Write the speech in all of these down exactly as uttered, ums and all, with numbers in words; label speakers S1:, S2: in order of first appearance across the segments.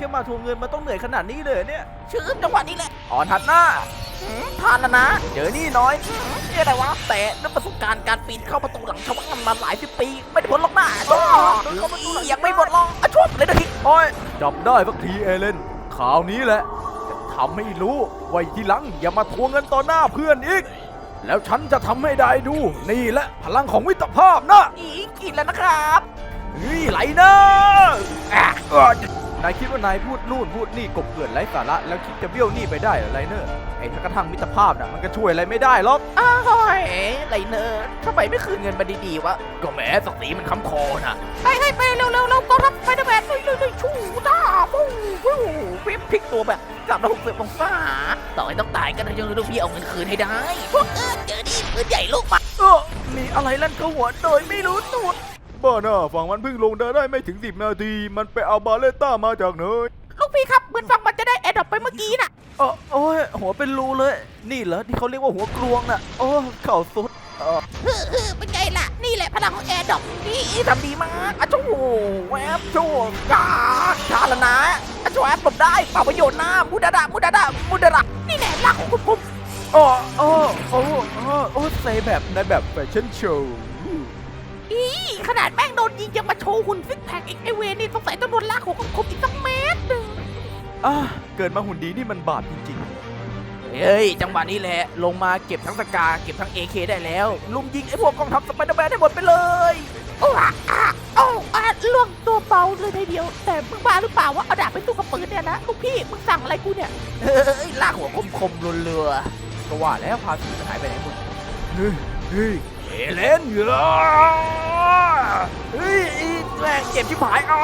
S1: ค่มาทวงเงินมันต้องเหนื่อยขนาดนี้เลยเนี่ย
S2: ชื่อจังหวะนี้แหละ
S1: อ่อนหัดหน้า
S2: ทานแล้วนะ
S1: เจอนี่น้อย
S2: นี่อะไรวะแต่ด้วยประสบการณ์การปีนเข้าประตูหลังชาวบ้านมาหลายสิบปีไม่ได้ผลหรอกนะยังไม่หมดหรอกอ่ะช่วงเลยนะที
S1: โอ้ยจับได้สักทีเอเลนข่าวนี้แหละจะทำให้รู้ไว้ทีหลังอย่ามาทวงเงินต่อหน้าเพื่อนอีก แล้วฉันจะทำให้ได้ดูนี่แหละพลังของมิตรภาพนะ
S2: อีกกินแล้วนะครับ
S1: เฮ้ยไหลนะอ่ะเอ้อนายคิดว่านายพูดนู่นพูดนี่กบเกลื่อนไร้สาระแล้วคิดจะเบี้ยวหนี่ไปได้เหรอไรเนอร์ไอ้ถ้ากระทั่งมิตรภาพน่ะมันก็ช่วยอะไรไม่ได้หรอก
S2: อ้าวไรเนอร์ทำไมไม่คืนเงินมาดีๆวะ
S1: ก็แหมศักดิ์ศรีมันค้ำคอนะ
S2: ให้ให้ไปเร็วๆเราก็รับไปนะแมนเลยเลยชูจ้าปู้ปู้วิบพลิกตัวแบบสามร้อยหกสิบองศาต่อให้ต้องตายก็ต้องลูกพี่เอาเงินคืนให้ได้พวกเออเจอดิปืนใหญ่ลูกมา
S1: เออมีอะไรลั่นเข้าหัวโดยไม่รู้ตัวบ้าน่ะฝั่งมันเพิ่งลงได้ไม่ถึงสิบนาทีมันไปเอาบาเลต้ามาจากเนย
S2: ลูกพี่ครับเหมือนฟังมันจะได้แอดดอปไปเมื่อกี้น่ะ
S1: เออโอ้ยหัวเป็นรูเลย นี่เหรอที่เขาเรียกว่าหัวกลวงน่ะโอ้เข่าสุดเออ
S2: เฮ้อเฮ้อเป็นไงล่ะนี่แหละพลังของแอร์ดอปนี่ทำดีมากอะโจ้แวบโจ้กาชาละนะอะโจ้แอปผมได้เป่าประโยชน์นะมุดาดามุดาดามุดาดานี่แหละรักของคุณผม
S1: โอ้โอ้โอ้โอ้โอ้ใส่แบบในแบบแฟชั่นโชว์
S2: อีขนาดแม่งโดนยิงยังมาโชว์หุ่นซิกแพคอีกไอเวนี่ต้องใส่ต้องโดนลากของคมอีกสักเมตรหนึ่ง
S1: อ่ะเกิดมาหุ่นดีนี่มันบาปจริง
S2: เฮ้ยจังหวะนี้แหละลงมาเก็บทั้งสกาเก็บทั้ง เอ เค ได้แล้วลุมยิงไอพวกกองทัพสไปเดอร์แมนได้หมดไปเลยโอ้อะอะโอ้อะล่วงตัวเบาเลยทีเดียวแต่มึงบ้าหรือเปล่าวะเอาดาบไปสู้กับปืนเนี่ยนะลูกพี่มึงสั่งอะไรกูเนี่ยเฮ้ยลากหัวคมๆเรือ
S1: ๆก็ว่าแล้วพาสีมันหายไปไหนหมดเฮ้ยเฮ้ยเอเลนเหรอเฮ้ยอีแรงเจ็บชิบหายอ่ะ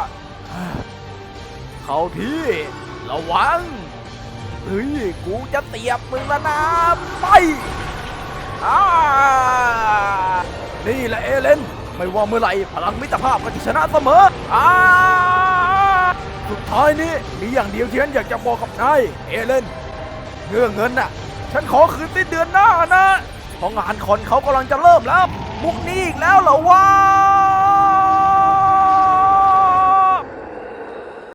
S1: เข้าที่ระวังเฮ้ยกูจะเตียบมึงแล้วนะไปอ่านี่แหละเอเลนไม่ว่าเมื่อไหร่พลังมิตรภาพก็จะชนะเสมออ่าสุดท้ายนี้มีอย่างเดียวที่ฉันอยากจะบอกกับนายเอเลนเรื่องเงินน่ะฉันขอคืนสิ้นเดือนหน้านะเพราะงานคอนเขากำลังจะเริ่มแล้วมุกนี้อีกแล้วเหรอวะ